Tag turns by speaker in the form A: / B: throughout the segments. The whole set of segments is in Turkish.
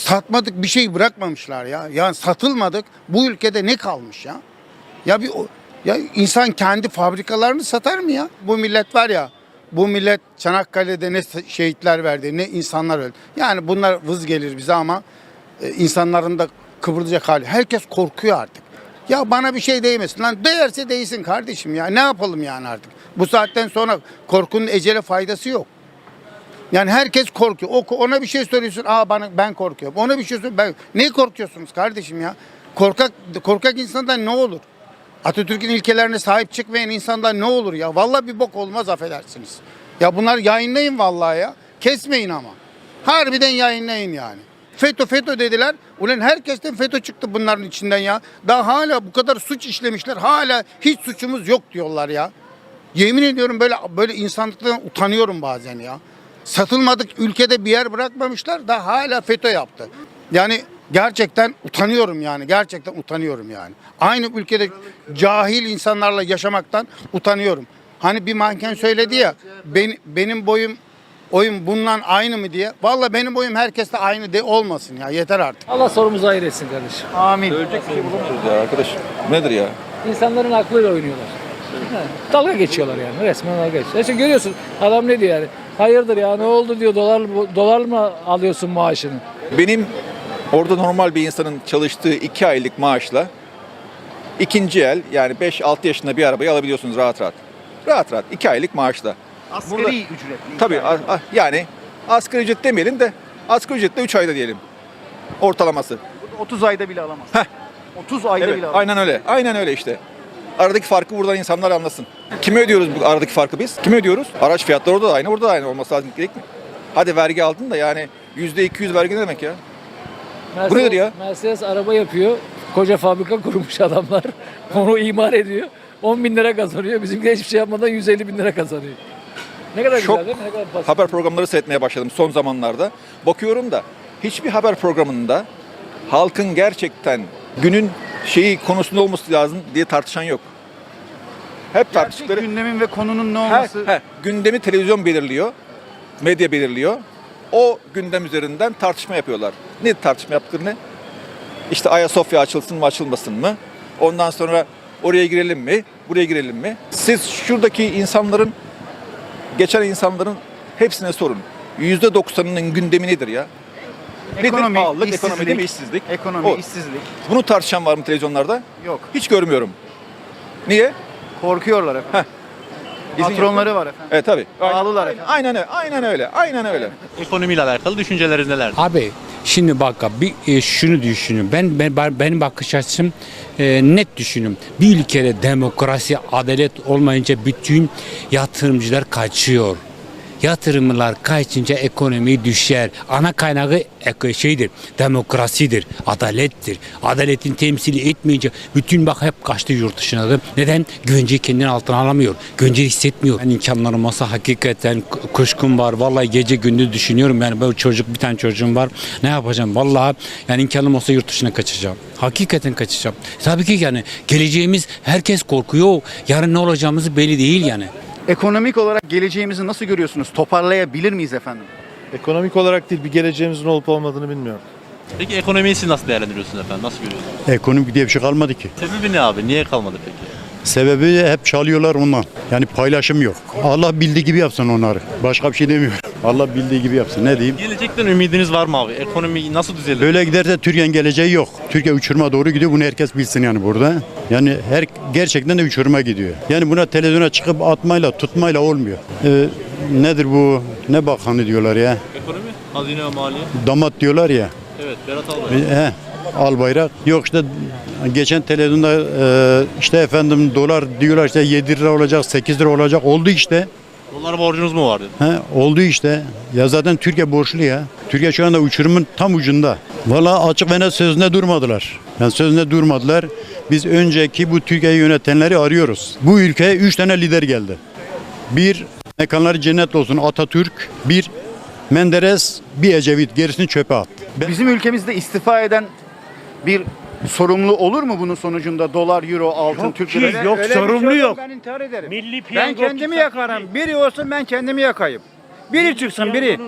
A: Satmadık bir şey bırakmamışlar ya. Yani satılmadık. Bu ülkede ne kalmış ya? Ya insan kendi fabrikalarını satar mı ya? Bu millet var ya. Bu millet Çanakkale'de ne şehitler verdi, ne insanlar öldü. Yani bunlar vız gelir bize ama insanların da kıvıracak hali. Herkes korkuyor artık. Ya bana bir şey değmesin lan. Değerse değsin kardeşim ya. Ne yapalım yani artık? Bu saatten sonra korkunun ecele faydası yok. Yani herkes korkuyor. Ona bir şey söylüyorsun. Ben korkuyorum. Ona bir şey söylüyorsun. Ne korkuyorsunuz kardeşim ya? Korkak insandan ne olur? Atatürk'ün ilkelerine sahip çıkmayan insandan ne olur ya? Vallahi bir bok olmaz, affedersiniz. Ya bunlar yayınlayın vallahi ya. Kesmeyin ama. Harbiden yayınlayın yani. FETÖ dediler. Ulan herkesten FETÖ çıktı bunların içinden ya. Daha hala bu kadar suç işlemişler. Hala hiç suçumuz yok diyorlar ya. Yemin ediyorum böyle insanlıktan utanıyorum bazen ya. Satılmadık ülkede bir yer bırakmamışlar da hala FETÖ yaptı. Yani gerçekten utanıyorum yani. Gerçekten utanıyorum yani. Aynı ülkede cahil insanlarla yaşamaktan utanıyorum. Hani bir manken söyledi ya, benim oyum bundan aynı mı diye. Vallahi benim boyum herkeste aynı de olmasın ya. Yeter artık.
B: Allah sorumuzu hayır etsin kardeşim.
C: Amin.
D: Söyleyecek bir şey bulamıyoruz ya arkadaş. Nedir ya?
B: İnsanların aklıyla oynuyorlar. Ha, dalga geçiyorlar yani. Resmen dalga geçiyorlar. İşte görüyorsun adam ne diyor yani. Hayırdır ya, ne oldu diyor, dolar mı alıyorsun maaşını?
D: Benim orada normal bir insanın çalıştığı 2 aylık maaşla ikinci el yani 5-6 yaşında bir arabayı alabiliyorsunuz rahat rahat. Rahat rahat 2 aylık maaşla.
C: Asgari
D: Burada-
C: ücretli.
D: Tabii yani asgari ücret demeyelim de asgari ücretle 3 ayda diyelim. Ortalaması.
C: 30 ayda bile alamaz.
D: Heh.
C: 30 ayda
D: Evet,
C: bile alamaz.
D: aynen öyle. Aynen öyle işte. Aradaki farkı buradan insanlar anlasın. Kime ödüyoruz bu aradaki farkı biz? Kime ödüyoruz? Araç fiyatları orada da aynı, orada da aynı olması lazım, gerek mi? Hadi vergi aldın da yani %200 vergi ne demek ya? Bu nedir ya?
B: Mercedes araba yapıyor. Koca fabrika kurmuş adamlar. Onu imar ediyor. 10 bin lira kazanıyor. Bizimkiler hiçbir şey yapmadan 150 bin lira kazanıyor. Ne kadar
D: Çok
B: güzel değil mi? Ne kadar basit.
D: haber programları seyretmeye başladım son zamanlarda. Bakıyorum da hiçbir haber programında halkın gerçekten günün konusunda olması lazım diye tartışan yok. Hep
C: Gerçek
D: tartıştıkları
C: gündemin ve konunun ne olması.
D: gündemi televizyon belirliyor, medya belirliyor. O gündem üzerinden tartışma yapıyorlar. Ne tartışma yaptıkları ne? İşte Ayasofya açılsın mı açılmasın mı? Ondan sonra oraya girelim mi? Buraya girelim mi? Siz şuradaki geçen insanların hepsine sorun. %90'ının gündemi nedir ya?
C: Ekonomi,
D: nedir? Pahalılık,
C: işsizlik.
D: ekonomi değil mi? İşsizlik.
C: Ekonomi,
D: O.
C: işsizlik.
D: Bunu tartışan var mı televizyonlarda?
C: Yok.
D: Hiç görmüyorum. Niye?
C: Korkuyorlar efendim.
D: İzin
C: Patronları var efendim.
D: Evet tabii.
C: Pahalılar efendim.
D: Aynen öyle. Aynen öyle. Aynen öyle.
E: Ekonomiyle alakalı düşünceleriniz neler?
F: Abi şimdi bak abi, şunu düşünün. Benim bakış açım net düşünün. Bir ülkede demokrasi, adalet olmayınca bütün yatırımcılar kaçıyor. Yatırımlar kaçınca ekonomi düşer. Ana kaynağı demokrasidir, adalettir. Adaletin temsili etmeyince bütün bak hep kaçtı yurt dışına da. Neden? Güvenceyi kendinin altına alamıyor. Güvenceyi hissetmiyor. Ben imkanlarım olmasa hakikaten kuşkum var. Vallahi gece gündüz düşünüyorum. Yani böyle bir tane çocuğum var. Ne yapacağım? Vallahi yani imkanım olsa yurt dışına kaçacağım. Hakikaten kaçacağım. Tabii ki yani geleceğimiz herkes korkuyor. Yarın ne olacağımızı belli değil yani.
C: Ekonomik olarak geleceğimizi nasıl görüyorsunuz? Toparlayabilir miyiz efendim?
G: Ekonomik olarak değil, bir geleceğimizin olup olmadığını bilmiyorum.
E: Peki ekonomiyi siz nasıl değerlendiriyorsunuz efendim? Nasıl görüyorsunuz?
H: Ekonomik diye bir şey kalmadı ki.
E: Sebebi ne abi? Niye kalmadı peki?
H: Sebebi hep çalıyorlar ondan. Yani paylaşım yok. Allah bildiği gibi yapsın onları. Başka bir şey demiyorum. Allah bildiği gibi yapsın. Ne diyeyim?
E: Gelecekten ümidiniz var mı abi? Ekonomi nasıl düzelir?
H: Böyle giderse Türkiye'nin geleceği yok. Türkiye uçuruma doğru gidiyor. Bunu herkes bilsin yani burada. Yani gerçekten de uçuruma gidiyor. Yani buna televizyona çıkıp atmayla, tutmayla olmuyor. Nedir bu? Ne bakanı diyorlar ya?
E: Ekonomi, hazine ve maliye.
H: Damat diyorlar ya.
E: Evet, Berat Albayrak.
H: Albayrak. Yok işte geçen televizyonda işte efendim dolar diyorlar işte 7 lira olacak, 8 lira olacak. Oldu işte.
E: Dolar borcunuz mu vardı?
H: Oldu işte. Ya zaten Türkiye borçlu ya. Türkiye şu anda uçurumun tam ucunda. Vallahi açık ve net sözünde durmadılar. Yani sözünde durmadılar. Biz önceki bu Türkiye'yi yönetenleri arıyoruz. Bu ülkeye 3 tane lider geldi. Bir, mekanları cennet olsun Atatürk. Bir, Menderes, bir Ecevit. Gerisini çöpe at.
C: Bizim ülkemizde istifa eden bir sorumlu olur mu bunun sonucunda? Dolar, euro, altın, Türk lirası.
I: Yok sorumlu yok.
J: Ben intihar ederim.
I: Milli
J: Ben
I: piyango
J: kendimi yakarım. Biri olsun ben kendimi yakayım. Biri çıksın biri.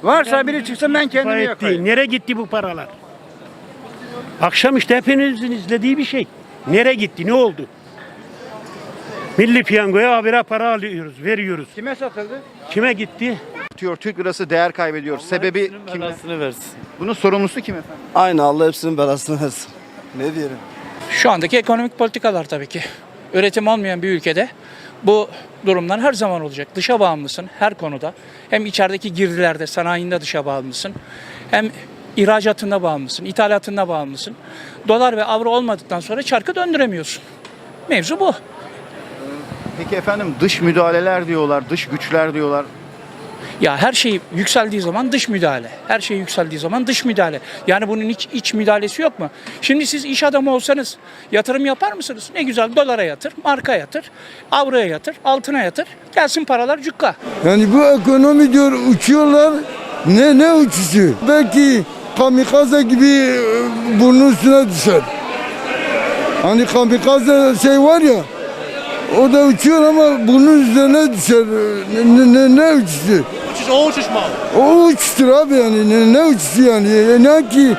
I: Varsa biri çıksın ben kendimi
J: Gayet
I: yakayım.
J: değil. Nereye gitti bu paralar? Akşam işte hepinizin izlediği bir şey. Nereye gitti? Ne oldu? Milli piyangoya habire para alıyoruz, veriyoruz.
I: Kime satıldı?
J: Kime gitti?
C: Diyor Türk lirası değer kaybediyor. Sebebi kim?
G: versin.
C: Bunun sorumlusu kim efendim?
G: Aynı Allah hepsinin belasını versin. Ne diyelim?
K: Şu andaki ekonomik politikalar tabii ki. Üretim olmayan bir ülkede bu durumlar her zaman olacak. Dışa bağımlısın her konuda. Hem içerideki girdilerde, sanayinde dışa bağımlısın. Hem ihracatında bağımlısın, ithalatında bağımlısın. Dolar ve avro olmadıktan sonra çarkı döndüremiyorsun. Mevzu bu.
C: Peki efendim dış müdahaleler diyorlar, dış güçler diyorlar.
K: Ya her şey yükseldiği zaman dış müdahale. Her şey yükseldiği zaman dış müdahale. Yani bunun hiç iç müdahalesi yok mu? Şimdi siz iş adamı olsanız yatırım yapar mısınız? Ne güzel dolara yatır, marka yatır, avroya yatır, altına yatır. Gelsin paralar cukka.
L: Yani bu ekonomi diyor uçuyorlar. Ne uçuşu? Belki kamikaze gibi burnun üstüne düşer. Hani kamikaze şey var ya, o da uçuyor ama burnun üzerine düşer. Ne uçuşu?
E: O uçuş mu abi?
L: O uçuştur abi yani. Ne uçuşu yani? Ne ki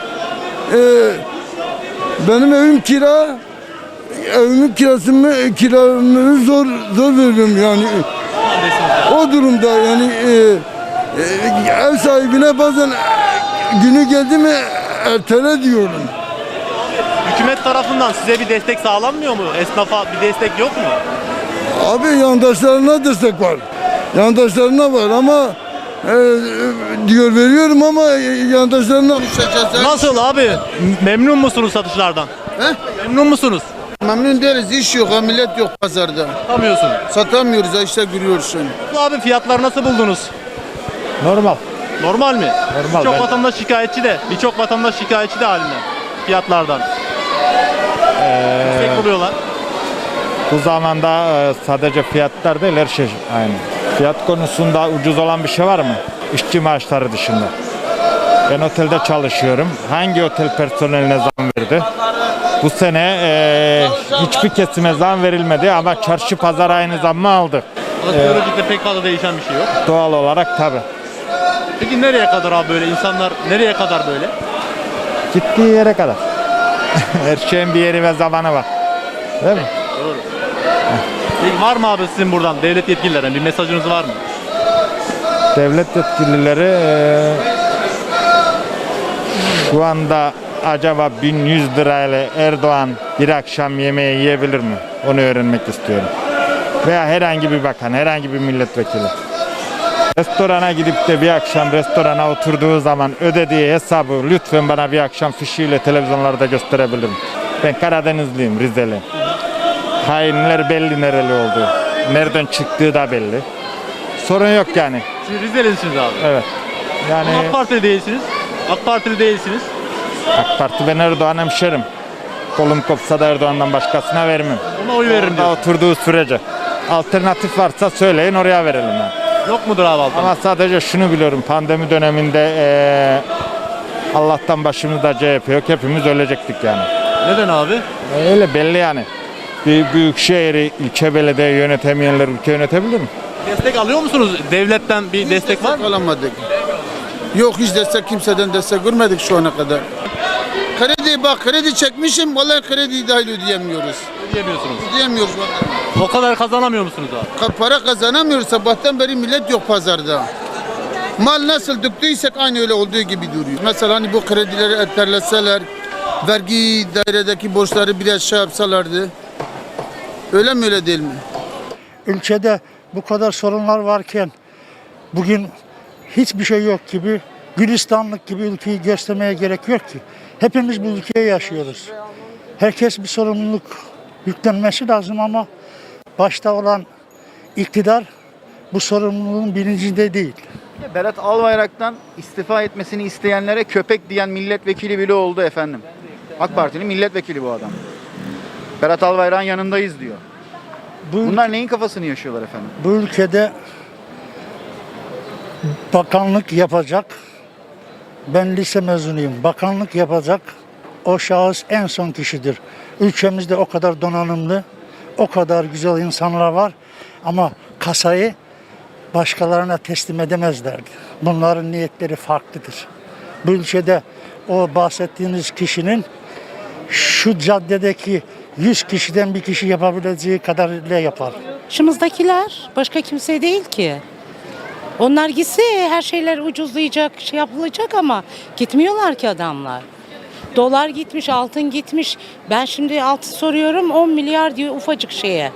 L: benim evim kira. Evimin kiramı zor veriyorum yani. O durumda yani ev sahibine bazen günü geldi mi ertele diyorum.
E: Hükümet tarafından size bir destek sağlanmıyor mu? Esnafa bir destek yok mu?
L: Abi yandaşlarına destek var. Yandaşlarına var ama diyor veriyorum ama yandaşlarına
E: Nasıl abi? Memnun musunuz satışlardan?
L: He?
E: Memnun musunuz?
L: Memnun değiliz. İş yok, millet yok pazarda.
E: Satamıyorsun.
L: Satamıyoruz işte görüyorsun.
E: Abi fiyatları nasıl buldunuz?
G: Normal.
E: Normal mi?
G: Normal,
E: Birçok
G: ben-
E: vatandaş şikayetçi de halinden. Fiyatlardan. Yüksek buluyorlar.
G: Bu zamanda sadece fiyatlar değil her şey aynı. Fiyat konusunda ucuz olan bir şey var mı? İşçi maaşları dışında. Ben otelde çalışıyorum. Hangi otel personeline zam verdi? Bu sene hiçbir kesime zam verilmedi ama çarşı pazar aynı zammı aldı.
E: Alışverişte pek fazla değişen bir şey yok.
G: Doğal olarak tabii.
E: Peki nereye kadar abi böyle? İnsanlar nereye kadar böyle?
G: Gittiği yere kadar. Her şeyin bir yeri ve zamanı var. Değil mi?
E: Doğru. Peki var mı abi sizin buradan devlet yetkililerine bir mesajınız var mı?
G: Devlet yetkilileri şu anda acaba 1100 lirayla Erdoğan bir akşam yemeği yiyebilir mi? Onu öğrenmek istiyorum. Veya herhangi bir bakan, herhangi bir milletvekili. Restorana gidip de bir akşam restorana oturduğu zaman ödediği hesabı lütfen bana bir akşam fişiyle televizyonlarda gösterebilir mi? Ben Karadenizliyim, Rizeliyim. Hainler belli nereli olduğu. Nereden çıktığı da belli. Sorun yok yani.
E: Siz Rizelisiniz abi.
G: Evet. Yani
E: Ama AK Partili değilsiniz. AK Partili değilsiniz.
G: AK Parti ben Erdoğan hemşerim. Kolum kopsa da Erdoğan'dan başkasına vermem.
E: Ona oy veririm
G: Orada
E: diyorsun.
G: oturduğu sürece. Alternatif varsa söyleyin oraya verelim yani.
E: Yok mudur abi alternatif?
G: Ama sadece şunu biliyorum. Pandemi döneminde Allah'tan başımızda CHP yok. Hepimiz ölecektik yani.
E: Neden abi?
G: Öyle belli yani. Bir büyük şehri, ilçe belediye yönetemeyenler ülke yönetebilir mi?
E: Destek alıyor musunuz? Devletten bir destek var mı?
L: Alamadık. Yok hiç destek kimseden destek görmedik şu ana kadar. Kredi çekmişim vallahi krediyi dahil ödeyemiyoruz.
E: Ödeyemiyorsunuz.
L: Ödeyemiyoruz vallahi.
E: O kadar kazanamıyor musunuz abi?
L: Para kazanamıyoruz. Sabahtan beri millet yok pazarda. Mal nasıl döktüysek aynı öyle olduğu gibi duruyor. Mesela hani bu kredileri erteleseler, vergi dairedeki borçları biraz şey yapsalardı. Öyle mi öyle değil mi?
J: Ülkede bu kadar sorunlar varken bugün hiçbir şey yok gibi, Gülistanlık gibi ülkeyi göstermeye gerek yok ki. Hepimiz bu ülkeye yaşıyoruz. Herkes bir sorumluluk yüklenmesi lazım ama başta olan iktidar bu sorumluluğun bilincinde değil.
C: Berat Albayrak'tan istifa etmesini isteyenlere köpek diyen milletvekili bile oldu efendim. AK Parti'nin milletvekili bu adam. Berat Albayrak'ın yanındayız diyor. Bunlar neyin kafasını yaşıyorlar efendim?
J: Bu ülkede bakanlık yapacak, ben lise mezunuyum, bakanlık yapacak o şahıs en son kişidir. Ülkemizde o kadar donanımlı, o kadar güzel insanlar var ama kasayı başkalarına teslim edemezlerdi. bunların niyetleri farklıdır. Bu ülkede o bahsettiğiniz kişinin şu caddedeki 100 kişiden bir kişi yapabileceği kadarıyla yapar.
I: Başımızdakiler başka kimse değil ki. Onlar gitse her şeyler ucuzlayacak, şey yapılacak ama gitmiyorlar ki adamlar. Dolar gitmiş, altın gitmiş. Ben şimdi altın soruyorum 10 milyar diyor ufacık şeye.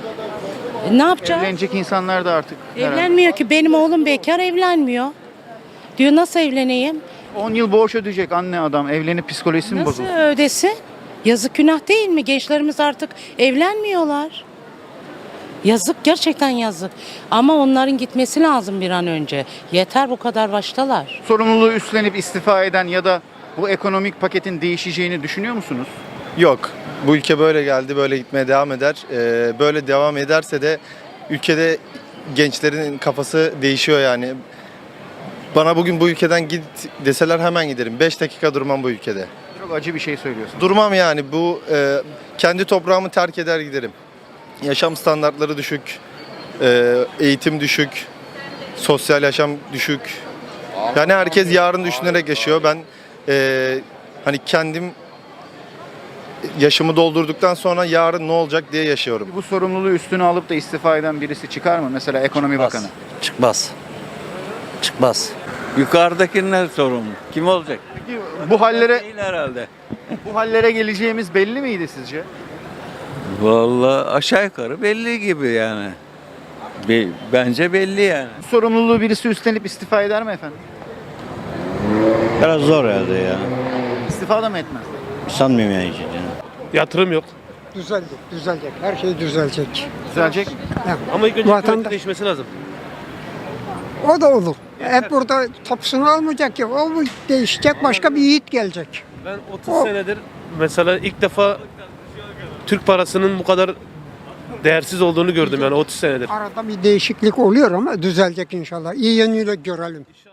I: Ne yapacağız?
C: Evlenecek insanlar da artık herhalde.
I: Evlenmiyor ki. Benim oğlum bekar evlenmiyor. Diyor nasıl evleneyim?
C: 10 yıl borç ödeyecek anne adam. Evlenip psikolojisi mi
I: Nasıl
C: bozuldu?
I: ödesin? Yazık günah değil mi? Gençlerimiz artık evlenmiyorlar. Yazık, gerçekten yazık. Ama onların gitmesi lazım bir an önce. Yeter, bu kadar baştalar.
C: Sorumluluğu üstlenip istifa eden ya da bu ekonomik paketin değişeceğini düşünüyor musunuz?
M: Yok. Bu ülke böyle geldi, böyle gitmeye devam eder. Böyle devam ederse de ülkede gençlerin kafası değişiyor yani. Bana bugün bu ülkeden git deseler hemen giderim. 5 dakika durmam bu ülkede.
C: Çok acı bir şey söylüyorsun.
M: Durmam yani. Bu kendi toprağımı terk eder giderim. Yaşam standartları düşük, eğitim düşük, sosyal yaşam düşük. Yani herkes yarın düşünerek yaşıyor. Ben hani kendim yaşımı doldurduktan sonra yarın ne olacak diye yaşıyorum.
C: Bu sorumluluğu üstüne alıp da istifa eden birisi çıkar mı? Mesela ekonomi bakanı.
N: Çıkmaz. Çıkmaz. Yukarıdakiler sorumlu. Kim olacak?
C: Peki bu hallere
N: Değil herhalde.
C: bu hallere geleceğimiz belli miydi sizce?
N: Vallahi aşağı yukarı belli gibi yani. Bence belli yani.
C: Bu sorumluluğu birisi üstlenip istifa eder mi efendim?
N: Biraz zor herhalde ya.
C: İstifa da mı etmez?
N: Sanmıyorum yani.
E: Yatırım yok.
J: Düzelecek. Her şey düzelecek.
C: Düzelecek mi?
E: Ama ilk önce
J: Vatandaş-
E: hükümetin değişmesi lazım.
J: O da olur. Hep burada tapusunu almayacak ki. O değişecek, başka bir yiğit gelecek.
E: Ben 30 senedir mesela ilk defa Türk parasının bu kadar değersiz olduğunu gördüm yani 30 senedir.
J: Arada bir değişiklik oluyor ama düzelecek inşallah. İyi yönüyle görelim.